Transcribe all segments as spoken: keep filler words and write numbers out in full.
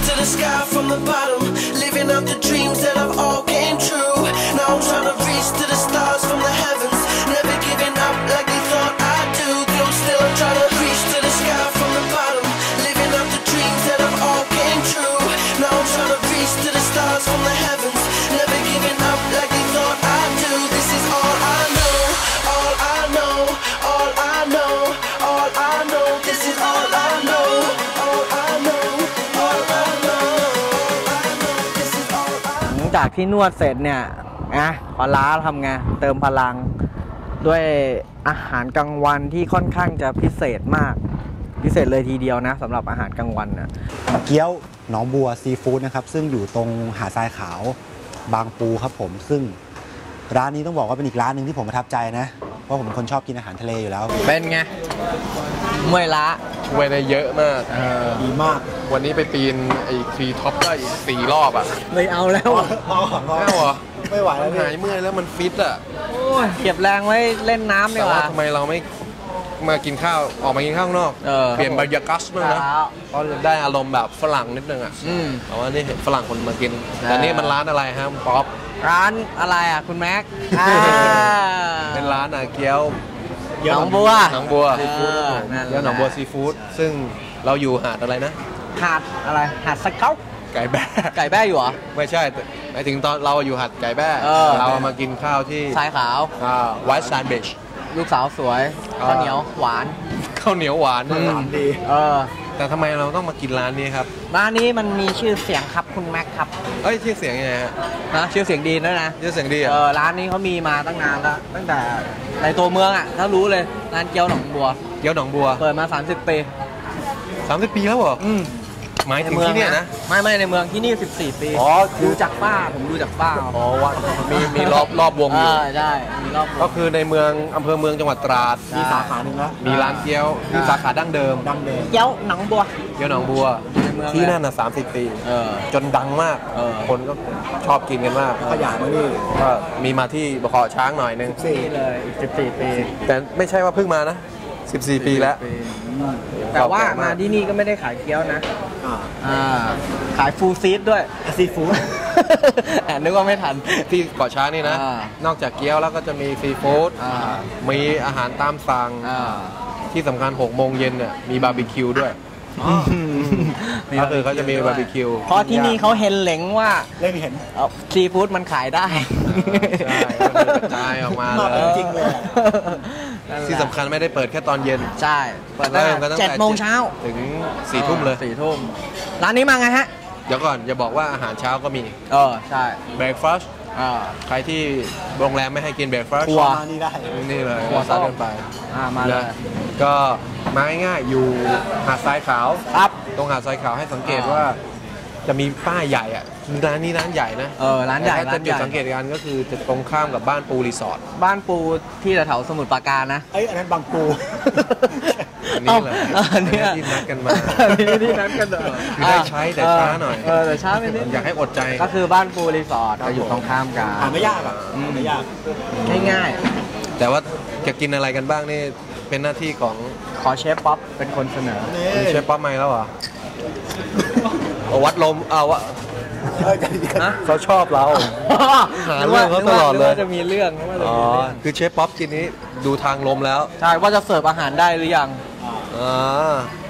to the sky from the bottom, living out the dreams that I've all came true. Now I'm trying to reach to the stars from the heavens, never giving up like they thought I'd do. Though still I'm trying to reach to the sky from the bottom, living out the dreams that I've all came true. Now I'm trying to reach to the stars from the heavens, never giving up like they thought I'd do. This is all I know, all I know, all I know, all I know. This is all I know, all I know, all I know, all I know. This is all I know. หลังจากที่นวดเสร็จเนี่ยนะพอล้าทำไงเติมพลังด้วยอาหารกลางวันที่ค่อนข้างจะพิเศษมากพิเศษเลยทีเดียวนะสำหรับอาหารกลางวันนะเกี๊ยวหนองบัวซีฟู้ดนะครับซึ่งอยู่ตรงหาดทรายขาวบางปูครับผมซึ่งร้านนี้ต้องบอกว่าเป็นอีกร้านหนึ่งที่ผมประทับใจนะเพราะผมเป็นคนชอบกินอาหารทะเลอยู่แล้วเป็นไงเมื่อยล้าช่วยได้เยอะมากดีมากวันนี้ไปปีนไอ้ทรีท็อปได้สี่รอบอ่ะไม่เอาแล้วไม่เอาเหรอไม่ไหวแล้วหายเมื่อยแล้วมันฟิตอ่ะเก็บแรงไว้เล่นน้ำดีกว่าทำไมเราไม่มากินข้าวออกมากินข้าวนอกเปลี่ยนบรรยากาศบ้างนะเพราะได้อารมณ์แบบฝรั่งนิดนึงอ่ะแต่ว่านี่เห็นฝรั่งคนมากินแต่นี่มันร้านอะไรฮะป๊อปร้านอะไรอ่ะคุณแม็กเป็นร้านอ่ะเกี๊ยวหนองบัวหนองบัวซีฟู้ดเกี๊ยวหนองบัวซีฟู้ดซึ่งเราอยู่หาดอะไรนะหาดอะไรหาดสเกาไก่แบ้ไก่แบ้อยู่เหรอไม่ใช่หมายถึงตอนเราอยู่หาดไก่แบ้เรามากินข้าวที่ทรายขาวไวท์แซนด์วิชลูกสาวสวยข้าวเหนียวหวานข้าวเหนียวหวานหวานดีเออแต่ทำไมเราต้องมากินร้านนี้ครับร้านนี้มันมีชื่อเสียงครับคุณแม็กครับเอ้ยชื่อเสียงยังไงฮะนะชื่อเสียงดีด้วยนะชื่อเสียงดีเออร้านนี้เขามีมาตั้งนานแล้วตั้งแต่ในตัวเมืองอ่ะถ้ารู้เลยร้านเกี๊ยวหนองบัวเกี๊ยวหนองบัวเปิดมาสามสิบปีสามสิบปีแล้วเหรออืมหมายถึงที่นี่นะไม่ไม่ในเมืองที่นี่สิบสี่ปีอ๋อดูจากป้าผมดูจากป้าอ๋อว่ามีมีรอบรอบวงอยู่ใช่มีรอบก็คือในเมืองอำเภอเมืองจังหวัดตราดมีสาขาหนึ่งแล้วมีร้านเกี๊ยวมีสาขาดั้งเดิมดั้งเดิมเกี๊ยวหนองบัวเกี๊ยวหนองบัวที่นั่นน่ะสามสิบปีจนดังมากคนก็ชอบกินกันมากขยายมานี่ก็มีมาที่บขช้างหน่อยนึงสี่เลยอีกสิบสี่ปีแต่ไม่ใช่ว่าเพิ่งมานะสิบสี่ปีแล้วแต่ว่ามาที่นี่ก็ไม่ได้ขายเกี๊ยวนะขายฟูลซีดด้วยซีฟู้ดแอบนึกว่าไม่ทันที่เกาะช้างนี่นะนอกจากเกี๊ยวแล้วก็จะมีซีฟู้ดมีอาหารตามสั่งที่สำคัญหกโมงเย็นเนี่ยมีบาร์บีคิวด้วยก็คือเขาจะมีบาร์บีคิวเพราะที่นี่เขาเห็นเหลงว่าเล่นเห็นซีฟู้ดมันขายได้ใช่กระจายออกมาเลยจริงเลยที่สำคัญไม่ได้เปิดแค่ตอนเย็นใช่เปิดตั้งแต่เจ็ดโมงเช้าถึงสี่ทุ่มเลยสี่ทุ่มร้านนี้มาไงฮะเดี๋ยวก่อนอย่าบอกว่าอาหารเช้าก็มีเออใช่เบรคฟาสต์ใครที่โรงแรมไม่ให้กินเบรคฟาสต์มานี่ได้นี่เลยหัวซัดกันไปมาเลยก็มาง่ายๆอยู่หาดทรายขาวครับตรงหาดทรายขาวให้สังเกตว่าจะมีป้ายใหญ่อ่ะร้านนี้ร้านใหญ่นะเออร้านใหญ่ถ้าจะจุดสังเกตกันก็คือจะตรงข้ามกับบ้านปูรีสอร์ทบ้านปูที่แถวสมุทรปราการนะเอ้ยอันนั้นบางปูอันนี้เลยอันนี้ที่นัดกันมาอันนี้ที่นัดกันเลยได้ใช้แต่ช้าหน่อยเออแต่ช้าไม่นิดอยากให้อดใจก็คือบ้านปูรีสอร์ทจะอยู่ตรงข้ามกันหาไม่ยากอ่ะไม่ยากง่ายๆแต่ว่าจะกินอะไรกันบ้างนี่เป็นหน้าที่ของขอเชฟป๊อปเป็นคนเสนอเชฟป๊อปมาแล้วเหรอวัดลมเอาวะเขาชอบเราหาเรื่องเขาตลอดเลยจะมีเรื่องอ๋อคือเชฟป๊อปทีนี้ดูทางลมแล้วใช่ว่าจะเสิร์ฟอาหารได้หรือยังอ่า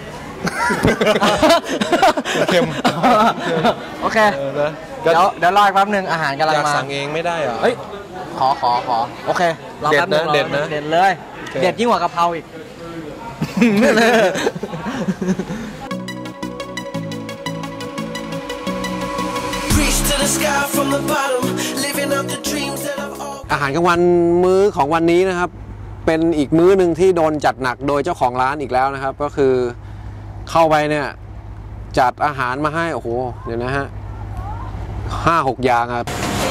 เค็มโอเคเดี๋ยวเดี๋ยวรออีกแป๊บนึงอาหารกำลังมาสั่งเองไม่ได้เหรอเฮ้ยขอขอขอโอเคเด็ดนะเด็ดนะเด็ดเลยเด็ดยิ่งกว่ากะเพราอีกอาหารกลางวันมื้อของวันนี้นะครับเป็นอีกมื้อหนึ่งที่โดนจัดหนักโดยเจ้าของร้านอีกแล้วนะครับก็คือเข้าไปเนี่ยจัดอาหารมาให้โอ้โหเดี๋ยวนะฮะห้าหกอย่างครับ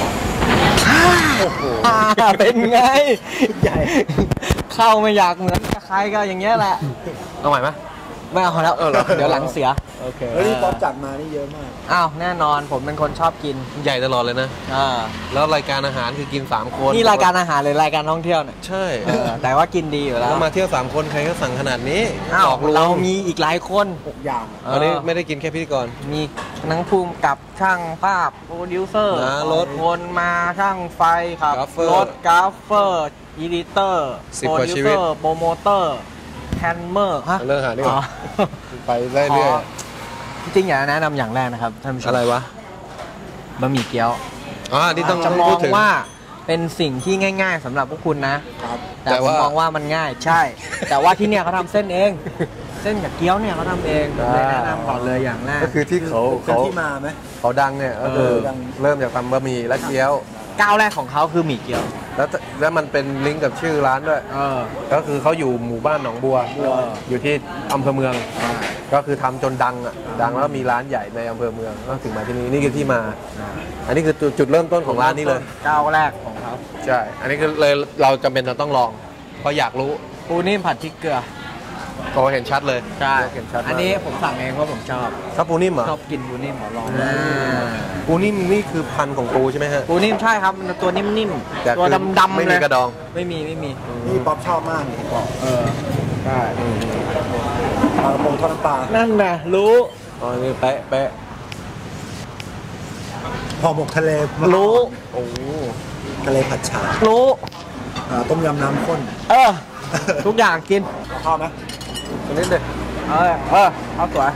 เป็นไงใหญ่เข้าไม่อยากเหมือนใครก็อย่างเงี้ยแหละเอาใหม่ไหมไม่เอาแล้วเดี๋ยวหลังเสียโอเคเฮ้ยนี่ป๊อปจัดมานี่เยอะมากอ้าวแน่นอนผมเป็นคนชอบกินใหญ่ตลอดเลยนะอ่าแล้วรายการอาหารคือกินสามคนนี่รายการอาหารหรือรายการท่องเที่ยวเนี่ยใช่เออแต่ว่ากินดีอยู่แล้วแล้วมาเที่ยวสามคนใครก็สั่งขนาดนี้อ้าวหลอกลวงเรามีอีกหลายคนหกอย่างอันนี้ไม่ได้กินแค่พิธีกรมีทั้งภูมิกับช่างภาพโปรดิวเซอร์นะรถคนมาช่างไฟครับกราฟเฟอร์รถกราฟเฟอร์อีดิเตอร์สิบโปรกว่าดิวชีเซวิอตร์โปรโมเตอร์แฮนเมอร์ฮะเรื่องอาหารดีกว่าอ๋อไปเรื่อยขอจริงๆอยากแนะนำอย่างแรกนะครับท่านผู้ชๆมอะไรวะบะหมี่เกี๊ยวอ๋อที่ต้องจะมพูอดงถึงว่าเป็นสิ่งที่ง่าย ๆสำหรับพวกคุณนะครับแต่แต่ผมว่ามองว่ามันง่ายใช่ แต่ว่าที่เนี่ยเขาทำเส้นเอง เส้นกับเกี๊ยวเนี่ยเขาทำเองผมเลยแนะนำก่อนเลยอย่างแรกก็คือที่เขาเป็นเขาที่มาไหมเขาดังเนี่ยก็คือเออดังเริ่มจากทำบะหมี่และเกี๊ยวก้าวแรกของเขาคือหมี่เกี๊ยวแล้วแล้วมันเป็นลิงก์กับชื่อร้านด้วยเออก็คือเขาอยู่หมู่บ้านหนองบัวบัวอยู่ที่อำเภอเมือง ก็คือทำจนดังอ่ะดังแล้วมีร้านใหญ่ในอำเภอเมืองก็ถึงมาที่นี่นี่คือที่มา อันนี้คือจุดจุดเริ่มต้นของร้านนี้เลยก้าวแรกของเขาใช่ อันนี้คือเลยเราจำเป็นจะต้องลอง เพราะอยากรู้ปูนิ่มผัดพริกเกลือโอ้เห็นชัดเลยใช่เห็นชัดมากอันนี้ผมสั่งเองว่าผมชอบถ้าปูนิ่มเหรอชอบกินปูนิ่มขอลองอ่าปูนิ่มนี่คือพันธุ์ของปูใช่ไหมฮะปูนิ่มใช่ครับมันตัวนิ่มแต่ๆตัวคือดำๆไม่เลมียกระดองไม่มีไม่มีนี่ป๊อปชอบมากนี่ผมบอกเออใช่ปลากระพงทอดน้ำปลานั่นน่ะรู้อ๋อนี่เป๊ะเป๊ะห่อหมกทะเลรู้โอ้ทะเลผัดฉ่ารู้อ่าต้มยำน้ำข้นเออ ทุกอย่างกินชอบไหมตัวนี้เด็ดเออเออเอาสวย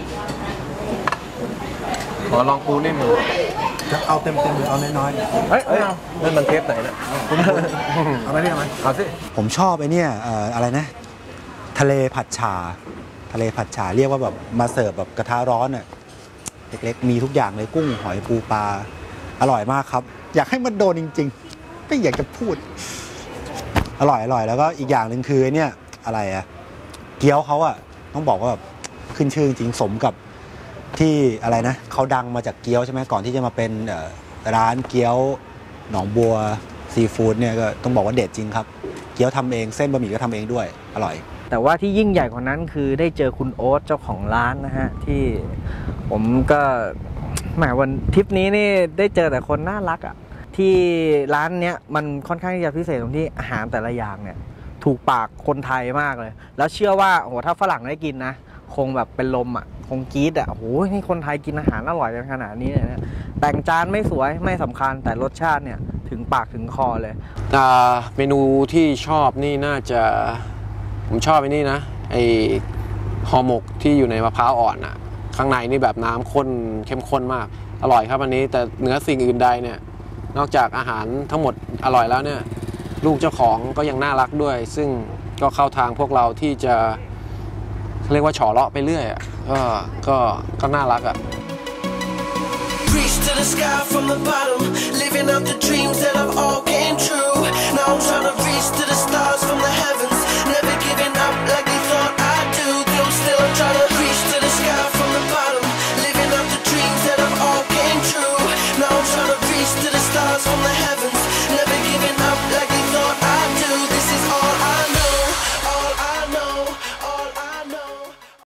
ขอลองปูนิ่มหน่อยจะเอาเต็มเต็มหรือเอาน้อยเฮ้ยเอ้ยเอานั่นมันเทปไหนนะๆเอาไหมเนี่ยเอาไหมเอาสิผมชอบไอ้เนี่ยเอ่ออะไรนะ ทะเลผัดฉ่าทะเลผัดฉ่าเรียกว่าแบบมาเสิร์ฟแบบกระทะร้อนอ่ะเล็กๆมีทุกอย่างเลยกุ้งหอยปูปลาอร่อยมากครับ อยากให้มันโดนจริงๆไม่อยากจะพูด อร่อยอร่อยแล้วก็อีกอย่างหนึ่งคือไอ้เนี่ยอะไรอะเกี๊ยวเขาอะต้องบอกว่าแบบขึ้นชื่อจริงๆสมกับที่อะไรนะเขาดังมาจากเกี๊ยวใช่ไหมก่อนที่จะมาเป็นเอ่อร้านเกี๊ยวหนองบัวซีฟู้ดเนี่ยก็ต้องบอกว่าเด็ดจริงครับเกี๊ยวทำเองเส้นบะหมี่ก็ทำเองด้วยอร่อยแต่ว่าที่ยิ่งใหญ่กว่านั้นคือได้เจอคุณโอ๊ตเจ้าของร้านนะฮะ ที่ผมก็แหมวันทริปนี้นี่ได้เจอแต่คนน่ารักอะ่ะที่ร้านเนี้ยมันค่อนข้างที่จะพิเศษตรงที่อาหารแต่ละอย่างเนี่ยถูกปากคนไทยมากเลย แล้วเชื่อว่าโอ้โหถ้าฝรั่งได้กินนะคงแบบเป็นลมอะ่ะคงกรี๊ดอะ่ะโอ้โหนี่คนไทยกินอาหารอร่อยกันขนาดนี้เลยนะแต่งจานไม่สวยไม่สำคัญแต่รสชาติเนี่ยถึงปากถึงคอเลยอ่าเมนูที่ชอบนี่น่าจะผมชอบไอ้นี่นะไอห่อหมกที่อยู่ในมะพร้าวอ่อนอ่ะข้างในนี่แบบน้ำข้นเข้มข้นมากอร่อยครับอันนี้แต่เหนือสิ่งอื่นใดเนี่ยนอกจากอาหารทั้งหมดอร่อยแล้วเนี่ยลูกเจ้าของก็ยังน่ารักด้วย ซึ่งก็เข้าทางพวกเราที่จะเรียกว่าฉอเลาะไปเรื่อยอ่ะก็ก็ก็น่ารักอ่ะ Reach to the sky from the bottom, living out the dreams that have all came true. Now I'm trying to reach to the stars from the heavens, never giving up like they thought I'd do. Though still I'm trying to reach to the sky from the bottom, living out the dreams that have all came true. Now I'm trying to reach to the stars from the heavens.